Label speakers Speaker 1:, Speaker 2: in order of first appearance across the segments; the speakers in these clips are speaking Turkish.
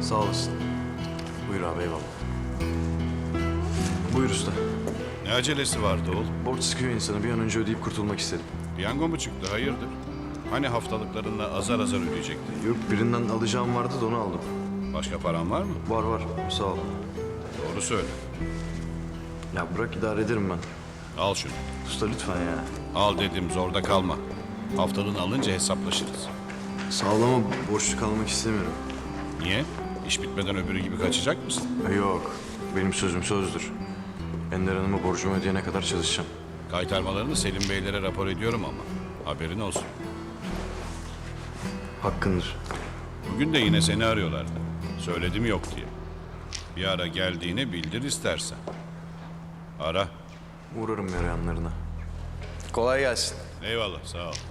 Speaker 1: Sağ olasın. Buyur abi, eyvallah. Buyur usta.
Speaker 2: Ne acelesi vardı oğlum?
Speaker 1: Borç sıkıyor insanı. Bir an önce ödeyip kurtulmak istedim.
Speaker 2: Piyango mu çıktı, hayırdır? Hani haftalıklarında azar azar ödeyecektin?
Speaker 1: Yok, birinden alacağım vardı da onu aldım.
Speaker 2: Başka paran var mı?
Speaker 1: Var var, sağ ol.
Speaker 2: Doğru söyle.
Speaker 1: Ya bırak, idare ederim ben.
Speaker 2: Al şunu.
Speaker 1: Usta lütfen ya.
Speaker 2: Al dedim, zorda kalma. Haftalığını alınca hesaplaşırız.
Speaker 1: Sağlama borçlu kalmak istemiyorum.
Speaker 2: Niye? İş bitmeden öbürü gibi kaçacak mısın?
Speaker 1: Yok, benim sözüm sözdür. Ender Hanım'a borcumu ödeyene kadar çalışacağım.
Speaker 2: Kaytarmalarını Selim Beylere rapor ediyorum ama. Haberin olsun.
Speaker 1: Hakkındır.
Speaker 2: Bugün de yine seni arıyorlardı. Söyledim yok diye. Bir ara geldiğini bildir istersen. Ara.
Speaker 1: Uğrarım yarayanlarına. Kolay gelsin.
Speaker 2: Eyvallah, sağ ol.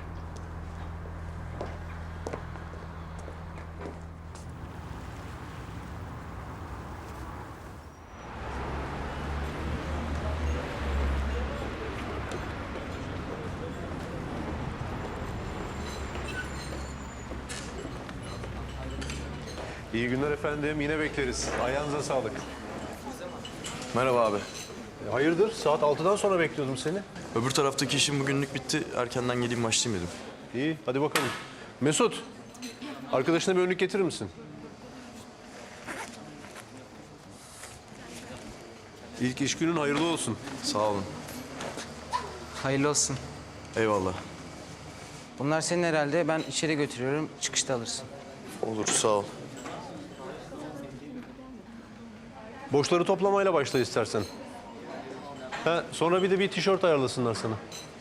Speaker 3: İyi günler efendim. Yine bekleriz. Ayağınıza sağlık.
Speaker 1: Merhaba abi.
Speaker 3: Hayırdır? Saat 6'dan sonra bekliyordum seni.
Speaker 1: Öbür taraftaki işim bugünlük bitti. Erkenden geleyim başlayayım dedim.
Speaker 3: İyi, hadi bakalım. Mesut, arkadaşına bir önlük getirir misin? İlk iş günün hayırlı olsun.
Speaker 1: Sağ olun.
Speaker 4: Hayırlı olsun.
Speaker 1: Eyvallah.
Speaker 4: Bunlar senin herhalde. Ben içeri götürüyorum. Çıkışta alırsın.
Speaker 1: Olur, sağ ol.
Speaker 3: Boşları toplamayla başla istersen. Ha, sonra bir de bir tişört ayarlasınlar sana.